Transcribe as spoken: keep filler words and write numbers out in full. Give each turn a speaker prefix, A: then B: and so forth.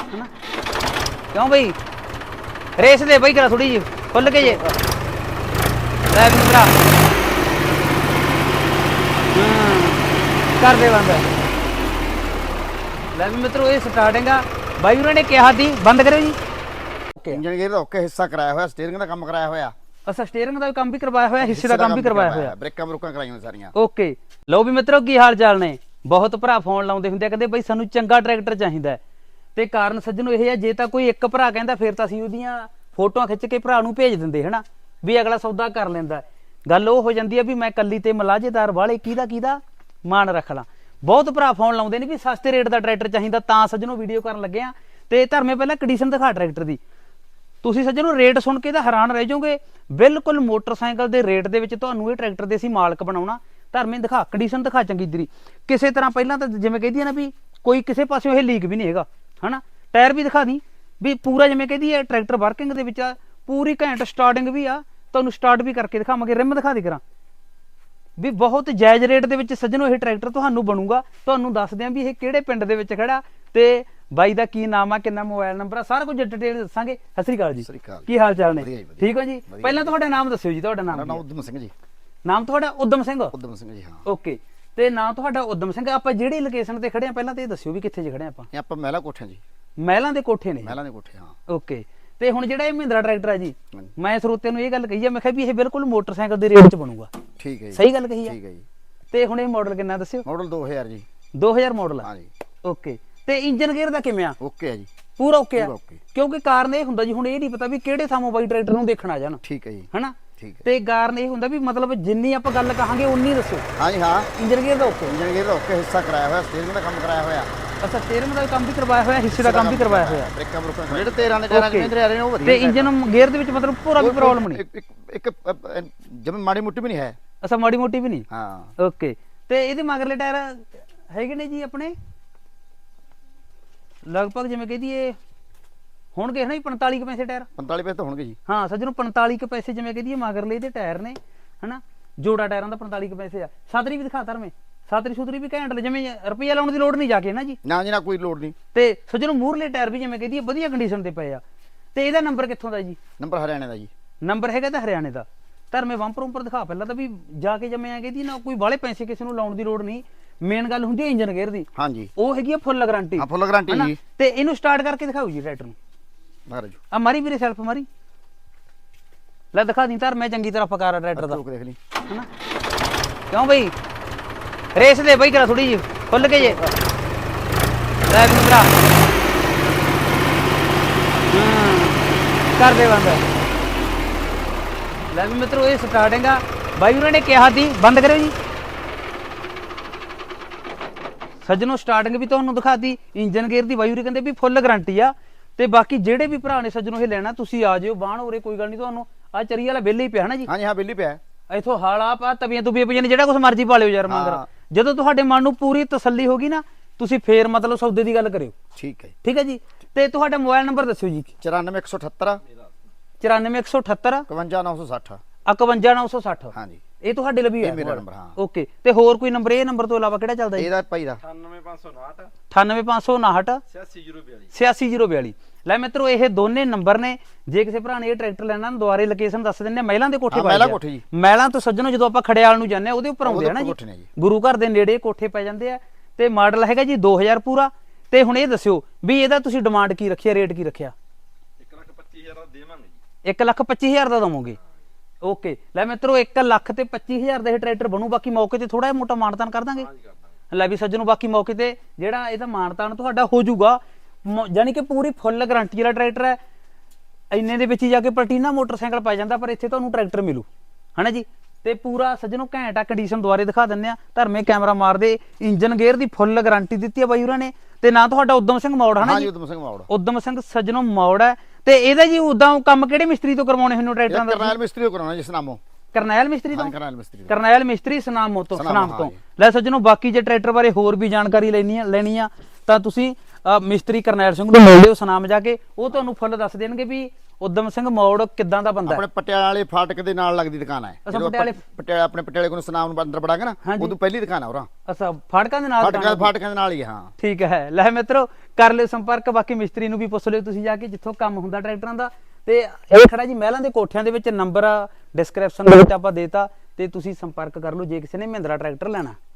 A: है ना क्यों भाई रेस दे भाई करा थोड़ी जी खुल के जे ले मित्रा कर दे बंद ले मित्रों ये स्टार्टिंग आ भाई उन्होंने कहा थी बंद करो जी ओके
B: इंजन गेयर ਦਾ ਓਕੇ ਹਿੱਸਾ ਕਰਾਇਆ ਹੋਇਆ ਸਟੀਅਰਿੰਗ ਦਾ ਕੰਮ ਕਰਾਇਆ ਹੋਇਆ
A: ਅੱਛਾ ਸਟੀਅਰਿੰਗ ਦਾ ਵੀ ਕੰਮ ਵੀ ਕਰਵਾਇਆ ਹੋਇਆ ਹਿੱਸੇ ਦਾ ਕੰਮ ਵੀ ਕਰਵਾਇਆ ਹੋਇਆ
B: ਬ੍ਰੇਕਾਂ ਬਰੂਕਾਂ ਕਰਾਈਆਂ ਸਾਰੀਆਂ
A: ਓਕੇ ਲਓ ਵੀ ਮਿੱਤਰੋ ਕੀ ਹਾਲ ਚਾਲ ਨੇ ਬਹੁਤ ਭਰਾ ਫੋਨ ਲਾਉਂਦੇ ਹੁੰਦੇ ਆ ਕਹਿੰਦੇ ਬਈ ਸਾਨੂੰ ਚੰਗਾ ਟਰੈਕਟਰ ਚਾਹੀਦਾ ਤੇ ਕਾਰਨ ਸੱਜਣੋ ਇਹ ਹੈ ਜੇ ਤਾਂ ਕੋਈ ਇੱਕ ਭਰਾ ਕਹਿੰਦਾ ਫਿਰ ਤਾਂ ਅਸੀਂ ਉਹਦੀਆਂ ਫੋਟੋਆਂ ਖਿੱਚ ਕੇ ਭਰਾ ਨੂੰ ਭੇਜ ਦਿੰਦੇ ਹਨਾ ਵੀ ਅਗਲਾ ਸੌਦਾ ਕਰ ਲੈਂਦਾ ਗੱਲ ਉਹ ਹੋ ਜਾਂਦੀ ਹੈ ਵੀ ਮੈਂ ਕੱਲੀ ਤੇ ਮਲਾਜੇਦਾਰ ਵਾਲੇ ਕਿਹਦਾ ਕਿਹਦਾ ਮਾਣ ਰੱਖ ਲਾਂ ਬਹੁਤ ਭਰਾ ਫੋਨ ਲਾਉਂਦੇ ਨੇ ਵੀ ਸਸਤੇ ਰੇਟ ਦਾ ਟਰੈਕਟਰ ਚਾਹੀਦਾ ਤਾਂ ਸੱਜਣੋ ਵੀਡੀਓ ਕਰਨ ਲੱਗੇ ਆ ਤੇ ਧਰਮੇ ਪਹਿਲਾਂ ਕੰਡੀਸ਼ਨ ਦਿਖਾ ਟਰੈਕਟਰ ਦੀ ਤੁਸੀਂ ਸੱਜਣੋ ਰੇਟ ਸੁਣ ਕੇ ਤਾਂ ਹੈਰਾਨ ਰਹਿ ਜਾਓਗੇ ਬਿਲਕੁਲ ਮੋਟਰਸਾਈਕਲ ਦੇ ਰੇਟ ਦੇ ਵਿੱਚ ਤੁਹਾਨੂੰ ਇਹ ਟਰੈਕਟਰ ਦੇ ਅਸੀਂ ਮਾਲਕ ਬਣਾਉਣਾ ਧਰਮੇ ਦਿਖਾ ਕੰਡੀਸ਼ਨ ਦਿਖਾ ਚੰਗੀ ਤਰੀ ਕਿਸੇ ਤਰ੍ਹਾਂ ਪਹਿਲਾਂ ਤਾਂ ਜਿਵੇਂ ਕਹਿੰਦੀ ਹੈ ਨਾ ਵੀ ਕੋਈ ਕਿਸੇ ਪਾਸਿਓਂ ਇਹ ਲੀਕ ਵੀ ਨਹੀਂ ਹੈਗਾ ਹਨਾ ਟਾਇਰ ਵੀ ਦਿਖਾ ਦੀ ਵੀ ਪੂਰਾ ਜਿਵੇਂ ਕਹਿੰਦੀ ਹੈ ਟਰੈਕਟਰ ਵਰਕਿੰਗ ਦੇ ਵਿੱਚ ਆ ਪੂਰੀ ਘੈਂਟ ਸਟਾਰਟਿੰਗ ਵੀ ਆ ਤੁਹਾਨੂੰ ਸਟਾਰਟ ਵੀ ਕਰਕੇ ਦਿਖਾਵਾਂਗੇ ਰਿਮ ਦਿਖਾ ਦੇ ਕਰਾਂ ਵੀ ਬਹੁਤ ਜਾਇਜ਼ ਰੇਟ ਦੇ ਵਿੱਚ ਸੱਜਣੋ ਇਹ ਟਰੈਕਟਰ ਤੁਹਾਨੂੰ ਬਣੂਗਾ ਤੁਹਾਨੂੰ ਦੱਸਦੇ ਆਂ ਵੀ ਇਹ ਕਿਹੜੇ ਪਿੰਡ ਦੇ ਵਿੱਚ ਖੜਾ ਤੇ ਬਾਈ ਦਾ ਕੀ ਨਾਮ ਆ ਕਿੰਨਾ ਮੋਬਾਈਲ ਨੰਬਰ ਆ ਸਾਰਾ ਕੁਝ ਡਿਟੇਲ ਦੱਸਾਂਗੇ ਸਤਿ ਸ੍ਰੀ ਅਕਾਲ ਜੀ ਕੀ ਹਾਲ ਚਾਲ ਨੇ ਠੀਕ ਹੋ ਜੀ ਪਹਿਲਾਂ ਤੁਹਾਡਾ ਨਾਮ ਦੱਸਿਓ ਜੀ ਤੁਹਾਡਾ ਨਾਮ
B: ਉਦਮ ਸਿੰਘ ਜੀ
A: ਨਾਮ ਤੁਹਾਡਾ ਉਦਮ ਸਿੰਘ
B: ਉਦਮ ਸਿੰਘ ਜੀ ਹਾਂ
A: ਓਕੇ ਤੇ ਨਾਮ ਤੁਹਾਡਾ ਉਦਮ ਸਿੰਘ ਆਪਾਂ ਜਿਹੜੀ ਲੋਕੇਸ਼ਨ ਤੇ ਖੜੇ ਆ ਪਹਿਲਾਂ ਤੇ ਇਹ ਦੱਸਿਓ ਵੀ ਕਿੱਥੇ ਜ ਖੜੇ ਆਪਾਂ
B: ਇਹ ਆਪਾਂ ਮਹਿਲਾ ਕੋਠੇ ਜੀ
A: ਮਹਿਲਾਂ ਦੇ ਕੋਠੇ ਨੇ
B: ਮਹਿਲਾਂ ਦੇ ਕੋਠੇ ਹਾਂ
A: ਓਕੇ ਤੇ ਹੁਣ ਜਿਹੜਾ ਇਹ ਮਹਿੰਦਰਾ ਟਰੈਕਟਰ ਆ ਜੀ ਮੈਂ ਸਰੋਤਿਆਂ ਨੂੰ ਇਹ ਗੱਲ ਕਹੀ ਆ ਮੈਂ ਕਿਹਾ ਵੀ ਇਹ ਬਿਲਕੁਲ ਮੋਟਰਸਾਈਕਲ ਦੇ ਰੇਟ 'ਚ ਬਣੂਗਾ
B: ਠੀਕ ਹੈ ਜੀ
A: ਸਹੀ ਗੱਲ ਕਹੀ ਆ
B: ਠੀਕ ਹੈ ਜੀ
A: ਤੇ ਹੁਣ ਇਹ ਮਾਡਲ ਕਿੰਨਾ ਦੱਸਿਓ
B: ਮਾਡਲ ਦੋ ਹਜ਼ਾਰ ਜੀ
A: ਦੋ ਹਜ਼ਾਰ ਮਾਡਲ ਆ
B: ਹਾਂ ਜੀ
A: ਓਕੇ ਤੇ ਇੰਜਨ ਗੇਅਰ ਦਾ ਕਿਵੇਂ ਆ
B: ਓਕੇ ਆ ਜੀ
A: ਪੂਰਾ ਓਕੇ ਆ
B: ਪੂਰਾ ਓਕੇ
A: ਕਿਉਂਕਿ ਕਾਰਨ ਇਹ ਹੁੰਦਾ ਜੀ ਹੁਣ ਇਹ ਨਹੀਂ ਪਤਾ ਵੀ ਕਿਹੜੇ ਥਾਮੋਂ ਬਾਈ ਟਰੈਕਟਰ ਨੂੰ ਦੇਖਣ ਆ ਜਾਣ
B: ਠੀਕ ਹੈ ਜੀ
A: ਹਨਾ
B: ਠੀਕ ਹੈ
A: ਤੇ ਕਾਰਨ ਇਹ ਹੁੰਦਾ ਵੀ ਮਤਲਬ ਜਿੰਨੀ ਆਪਾਂ ਗੱਲ ਕਹਾਂਗੇ ਉਨੀ ਦੱਸੋ
B: ਹਾਂ ਜੀ ਹਾਂ
A: ਇੰਜਨ ਗੇਅਰ ਦਾ ਓਕੇ
B: ਇੰਜਨ ਗੇਅਰ ਦਾ ਓਕੇ ਹਿੱਸਾ ਕਰਾਇਆ ਹੋਇਆ ਸਟੀਅਰਿੰਗ ਦਾ ਕੰਮ ਕਰਾਇਆ ਹੋਇਆ
A: ਅੱਛਾ ਸਟੀਅਰਿੰਗ ਦਾ ਕੰਮ ਵੀ ਕਰਵਾਇਆ ਹੋਇਆ ਹਿੱਸੇ ਦਾ ਕੰਮ ਵੀ ਕਰਵਾਇਆ ਹੋਇਆ
B: ਬ੍ਰੇਕਾਂ ਬਰੂਕਾਂ ਜਿਹੜੇ ਤੇਰਾਂ ਦੇ ਟਾਇਰਾਂ ਦੇ ਆ ਰਹੇ ਨੇ ਉਹ ਵਧੀਆ
A: ਤੇ ਇੰਜਨ ਗੇਅਰ ਦੇ ਵਿੱਚ ਮਤਲਬ ਪੂਰਾ ਵੀ ਪ੍ਰੋਬਲਮ ਨਹੀਂ
B: ਇੱਕ ਇੱਕ ਜਿਵੇਂ ਮਾੜੀ ਮੁੱਟੀ ਵੀ ਨਹੀਂ ਹੈ
A: ਅੱਛਾ ਮਾੜੀ ਮੋਟੀ ਵੀ ਨਹੀਂ
B: ਹਾਂ
A: ਓਕੇ ਤੇ ਇਹਦੇ ਮਗਰਲੇ ਟਾਇਰ ਹੈਗੇ ਨੇ ਜੀ ਆਪਣੇ ਲਗਭਗ ਜਿਵੇਂ ਕਹਦੀ ਇਹ ਹੋਣਗੇ ਹਨਾ ਪੰਤਾਲੀ ਕੁ ਪੈਸੇ ਟਾਇਰ
B: ਪੰਤਾਲੀ ਪੈਸੇ ਤਾਂ ਹੋਣਗੇ ਜੀ
A: ਹਾਂ ਸੱਜਣੋਂ ਪੰਤਾਲੀ ਕੁ ਪੈਸੇ ਜਿਵੇਂ ਕਹਦੀ ਮਗਰਲੇ ਇਹਦੇ ਟਾਇਰ ਨੇ ਹਨਾ ਜੋੜਾ ਟਾਇਰਾਂ ਦਾ ਪੰਤਾਲੀ ਕੁ ਪੈਸੇ ਆ ਸਾਦਰੀ ਵੀ ਦਿਖਾ ਧਰਮੇ ਸਾਦਰੀ ਸੁਦਰੀ ਵੀ ਘੈਂਟ ਜਿਵੇਂ ਰੁਪਈਆ ਲਾਉਣ ਦੀ ਲੋੜ ਨਹੀਂ ਜਾ ਕੇ ਨਾ ਜੀ
B: ਨਾ ਜੀ ਨਾ ਕੋਈ ਲੋੜ ਨਹੀਂ
A: ਤੇ ਸੱਜਣੋਂ ਮੂਹਰਲੇ ਟਾਇਰ ਵੀ ਜਿਵੇਂ ਕਹਦੀ ਵਧੀਆ ਕੰਡੀਸ਼ਨ ਤੇ ਪਏ ਆ ਤੇ ਇਹਦਾ ਨੰਬਰ ਕਿੱਥੋਂ ਦਾ ਜੀ
B: ਨੰਬਰ ਹਰਿਆਣੇ ਦਾ ਜੀ
A: ਨੰਬਰ ਹੈਗਾ ਤਾਂ ਹਰਿਆਣੇ ਦਾ ਧਰਮੇ ਬੰਪਰ ਉੱਪਰ ਦਿਖਾ ਪਹਿਲਾਂ ਤਾਂ ਵੀ ਜਾ ਕੇ ਜਿਵੇਂ ਆ ਕਹਿੰਦੀ ਨਾ ਕੋਈ ਬਾਹਲੇ ਪੈਸੇ ਕਿਸੇ ਨੂੰ ਲਾਉਣ ਦੀ ਲੋੜ ਨਹੀਂ ਮੇਨ ਗੱਲ ਹੁੰਦੀ ਹੈ ਇੰਜਨ ਗੇਅਰ ਦੀ
B: ਹਾਂਜੀ
A: ਉਹ ਹੈਗੀ ਆ ਫੁੱਲ ਗਾਰੰਟੀ
B: ਹਾਂ ਫੁੱਲ ਗਾਰੰਟੀ ਜੀ
A: ਤੇ ਇਹਨੂੰ ਸਟਾਰਟ ਕਰਕੇ ਦਿਖਾਓ ਜੀ ਟਰੈਕਟਰ ਨੂੰ
B: ਮਾਰੋ ਜੀ
A: ਆ ਮਾਰੀ ਵੀਰੇ ਸੈਲਫ ਮਾਰੀ ਲੈ ਦਿਖਾ ਦੀ ਧਰ ਮੈਂ ਚੰਗੀ ਤਰ੍ਹਾਂ ਪਕਾਰਾ ਟਰੈਕਟਰ ਦਾ
B: ਦੇਖ ਲਈ
A: ਹਨਾ ਕਿਉਂ ਬਈ ਰੇਸ ਦੇ ਬਈ ਕਰਾ ਥੋੜੀ ਜੀ ਖੁੱਲ ਕੇ ਜੇ ਲੈ ਮਿੱਤਰਾ ਕਰ ਦੇ ਬੰਦ ਲੈ ਵੀ ਮਿੱਤਰੋ ਇਹ ਸਟਾਰਟਿੰਗ ਆ ਬਾਈ ਉਹਨਾਂ ਨੇ ਕਿਹਾ ਸੀ ਬੰਦ ਕਰਿਓ ਜੀ ਸੱਜਣੋ ਸਟਾਰਟਿੰਗ ਵੀ ਤੁਹਾਨੂੰ ਦਿਖਾਤੀ ਇੰਜਨ ਗੇਅਰ ਦੀ ਬਾਈ ਉਰੇ ਕਹਿੰਦੇ ਵੀ ਫੁੱਲ ਗਾਰੰਟੀ ਆ ਤੇ ਬਾਕੀ ਜਿਹੜੇ ਵੀ ਭਰਾ ਨੇ ਸੱਜਣੋ ਇਹ ਲੈਣਾ ਤੁਸੀਂ ਆ ਜਿਓ ਬਾਣ ਉਰੇ ਕੋਈ ਗੱਲ ਨਹੀਂ ਤੁਹਾਨੂੰ ਆ ਚਰੀ ਵਾਲਾ ਬਿੱਲ ਹੀ ਪਿਆ ਹਨਾ ਜੀ
B: ਹਾਂਜੀ ਹਾਂ ਬਿੱਲ ਹੀ ਪਿਆ
A: ਇਥੋਂ ਹਾਲਾ ਪਾ ਤਵੀਆਂ ਤੁਬੀਆਂ ਪਈਆਂ ਨੇ ਜਿਹੜਾ ਕੁਝ ਮਰਜ਼ੀ ਪਾ ਲਿਓ ਯਾਰ ਮੰਗਰ ਜਦੋਂ ਤੁਹਾਡੇ ਮਨ ਨੂੰ ਪੂਰੀ ਤਸੱਲੀ ਹੋਗੀ ਨਾ ਤੁਸੀਂ ਫੇਰ ਮਤਲਬ ਸੌਦੇ ਦੀ ਗੱਲ ਕਰਿਓ
B: ਠੀਕ ਹੈ
A: ਠੀਕ ਹੈ ਜੀ ਤੇ ਤੁਹਾਡਾ ਮੋਬਾਈਲ ਨੰਬਰ ਦੱਸਿਓ ਜੀ
B: ਚੁਰਾਨਵੇਂ ਇੱਕ ਸੌ ਅਠੱਤਰ
A: ਚੁਰਾਨਵੇਂ ਇੱਕ ਸੌ ਅਠੱਤਰ
B: ਇਕਵੰਜਾ ਨੌ ਸੌ ਸੱਠ
A: ਇਕਵੰਜਾ ਨੌ ਸੌ ਸੱਠ
B: ਹਾਂਜੀ
A: ਇਹ ਤੁਹਾਡੇ ਲਈ ਹੈ
B: ਮੇਰਾ ਨੰਬਰ ਹਾਂ
A: ਓਕੇ ਤੇ ਹੋਰ ਕੋਈ ਨੰਬਰ ਇਹ ਨੰਬਰ ਤੋਂ ਇਲਾਵਾ ਕਿਹੜਾ ਚੱਲਦਾ ਜੀ
B: ਇਹਦਾ ਭਾਈ ਦਾ
C: ਅਠਾਨਵੇਂ ਪੰਜ ਸੌ ਉਨਾਹਠ
A: ਅਠਾਨਵੇਂ ਪੰਜ ਸੌ ਉਨਾਹਠ
C: ਛਿਆਸੀ ਜ਼ੀਰੋ ਬਿਆਲੀ
A: ਛਿਆਸੀ ਜ਼ੀਰੋ ਬਿਆਲੀ ਲੈ ਮਿੱਤਰੋ ਇਹ ਦੋਨੇ ਨੰਬਰ ਨੇ ਜੇ ਕਿਸੇ ਭਰਾ ਨੇ ਇਹ ਟਰੈਕਟਰ ਲੈਣਾ ਦੁਆਰੇ ਲੋਕੇਸ਼ਨ ਦੱਸ ਦਿੰਦੇ ਆ ਮਹਿਲਾਂ ਦੇ ਕੋਠੇ
B: ਮਹਿਲਾਂ ਕੋਠੇ ਜੀ
A: ਮਹਿਲਾਂ ਤੋਂ ਸੱਜਣੋ ਜਦੋਂ ਆਪਾਂ ਖੜਿਆਲ ਨੂੰ ਜਾਂਦੇ ਆ ਉਹਦੇ ਉੱਪਰ ਆਉਂਦੇ ਆ ਨਾ ਜੀ ਗੁਰੂ ਘਰ ਦੇ ਨੇੜੇ ਕੋਠੇ ਪੈ ਜਾਂਦੇ ਆ ਤੇ ਮਾਡਲ ਹੈਗਾ ਜੀ ਦੋ ਹਜ਼ਾਰ ਪੂਰਾ ਤੇ ਹੁਣ ਇਹ ਦੱਸਿਓ ਵੀ ਇਹਦਾ ਤੁਸੀਂ ਡਿਮਾਂਡ ਕੀ ਰੱਖਿਆ ਰੇਟ ਕੀ ਰੱਖਿਆ
C: ਇੱਕ ਲੱਖ ਪੱਚੀ ਹਜ਼ਾਰ ਦਾ ਦੇਵਾਂਗੇ ਜੀ
A: ਇੱਕ ਲੱਖ ਪੱਚੀ ਹਜ਼ਾਰ ਦਾ ਦਵੋਗੇ ਓਕੇ ਲੈ ਮਿੱਤਰੋ ਇੱਕ ਲੱਖ ਤੇ ਪੱਚੀ ਹਜ਼ਾਰ ਦਾ ਇਹ ਟਰੈਕਟਰ ਬਣੂ ਬਾਕੀ ਮੌਕੇ ਤੇ ਥੋੜਾ ਜਿਹਾ ਮੋਟਾ ਮਾਨਤਾਨ ਕਰ ਦਾਂਗੇ ਲੈ ਵੀ ਸੱਜਣੋ ਬਾਕੀ ਮੌਕੇ ਤੇ ਜਿਹੜਾ ਇਹਦਾ ਮਾਨਤਾਨ ਤੁਹਾਡਾ ਹੋ ਜਾਊਗਾ ਜਾਨੀ ਕਿ ਪੂਰੀ ਫੁੱਲ ਗਾਰੰਟੀ ਵਾਲਾ ਟਰੈਕਟਰ ਹੈ ਇੰਨੇ ਦੇ ਵਿੱਚ ਹੀ ਜਾ ਕੇ ਪਲਟੀਨਾ ਮੋਟਰਸਾਈਕਲ ਪੈ ਜਾਂਦਾ ਪਰ ਇੱਥੇ ਤੁਹਾਨੂੰ ਟਰੈਕਟਰ ਮਿਲੂ ਹਨਾ ਜੀ ਤੇ ਪੂਰਾ ਸੱਜਣੋ ਘੈਂਟ ਆ ਕੰਡੀਸ਼ਨ ਦੁਆਰੇ ਦਿਖਾ ਦਿੰਦੇ ਆ ਧਰਮੇ ਕੈਮਰਾ ਮਾਰਦੇ ਇੰਜਨ ਗੇਅਰ ਦੀ ਫੁੱਲ ਗਾਰੰਟੀ ਦਿੱਤੀ ਆ ਬਾਈ ਉਹਨਾਂ ਨੇ ਤੇ ਨਾ ਤੁਹਾਡਾ ਉਦਮ ਸਿੰਘ ਮੌੜ ਹਨਾ ਜੀ
B: ਉਦਮ ਸਿੰਘ ਮੌੜ
A: ਉਦਮ ਸਿੰਘ ਸੱਜਣੋ ਮੌੜ ਹੈ ਤੇ ਇਹਦਾ ਜੀ ਉਦਾਂ ਕੰਮ ਕਿਹੜੇ ਮਿਸਤਰੀ ਤੋਂ ਕਰਵਾਉਣੇ ਹੁੰਦੇ ਟਰੈਕਟਰਾਂ ਦਾ
B: ਕਰਨੈਲ ਮਿਸਤਰੀ ਤੋਂ ਕਰਾਉਣਾ ਜਿਸ ਨਾਮੋਂ
A: ਕਰਨੈਲ ਮਿਸਤਰੀ ਤੋਂ
B: ਕਰਨੈਲ ਮਿਸਤਰੀ
A: ਕਰਨੈਲ ਮਿਸਤਰੀ ਸਨਾਮ ਤੋਂ ਸਨਾਮ ਤੋਂ ਲੈ ਸੱਜਣੋ ਬਾਕੀ ਜੇ ਟਰੈਕਟਰ ਬਾਰੇ ਹੋਰ ਵੀ ਜਾਣਕਾਰੀ ਲੈਣੀ ਆ ਲੈਣੀ ਆ ਤਾਂ ਤੁਸੀਂ ਮਿਸਤਰੀ ਕਰਨੈਲ ਸਿੰਘ ਨੂੰ ਮਿਲ ਲਿਓ ਸਨਾਮ ਜਾ ਕੇ ਉਹ ਤੁਹਾਨੂੰ ਫੁੱਲ ਦੱਸ ਦੇਣਗੇ ਵੀ ਉਦਮ ਸਿੰਘ ਮੌੜ ਕਿੱਦਾਂ ਦਾ ਬੰਦਾ
B: ਆਪਣੇ ਪਟਿਆਲੇ ਵਾਲੇ ਫਾਟਕ ਦੇ ਨਾਲ ਲੱਗਦੀ ਦੁਕਾਨ ਹੈ
A: ਪਟਿਆਲੇ
B: ਪਟਿਆਲੇ ਆਪਣੇ ਪਟਿਆਲੇ ਕੋਲ ਸਨਾਮ ਨੂੰ ਅੰਦਰ ਵੜਾਂਗੇ ਨਾ ਉਦੋਂ ਪਹਿਲੀ ਦੁਕਾਨ ਹੈ ਉਹਰਾ
A: ਅੱਛਾ ਫਾਟਕਾਂ ਦੇ ਨਾਲ
B: ਫਾਟਕਾਂ ਫਾਟਕਾਂ ਦੇ ਨਾਲ ਹੀ ਹਾਂ
A: ਠੀਕ ਹੈ ਲੈ ਮਿੱਤਰੋ ਕਰ ਲਿਓ ਸੰਪਰਕ। ਬਾਕੀ ਮਿਸਤਰੀ ਨੂੰ ਵੀ ਪੁੱਛ ਲਿਓ ਤੁਸੀਂ ਜਾ ਕੇ ਜਿੱਥੋਂ ਕੰਮ ਹੁੰਦਾ ਟਰੈਕਟਰਾਂ ਦਾ। ਤੇ ਇਹ ਖੜਾ ਜੀ ਮਹਿਲਾਂ ਦੇ ਕੋਠਿਆਂ ਦੇ ਵਿੱਚ, ਨੰਬਰ ਡਿਸਕ੍ਰਿਪਸ਼ਨ ਦੇ ਵਿੱਚ ਆਪਾਂ ਦੇਤਾ, ਤੇ ਤੁਸੀਂ ਸੰਪਰਕ ਕਰ ਲਓ ਜੇ ਕਿਸੇ ਨੇ ਮਹਿੰਦਰਾ ਟਰੈਕਟਰ ਲੈਣਾ।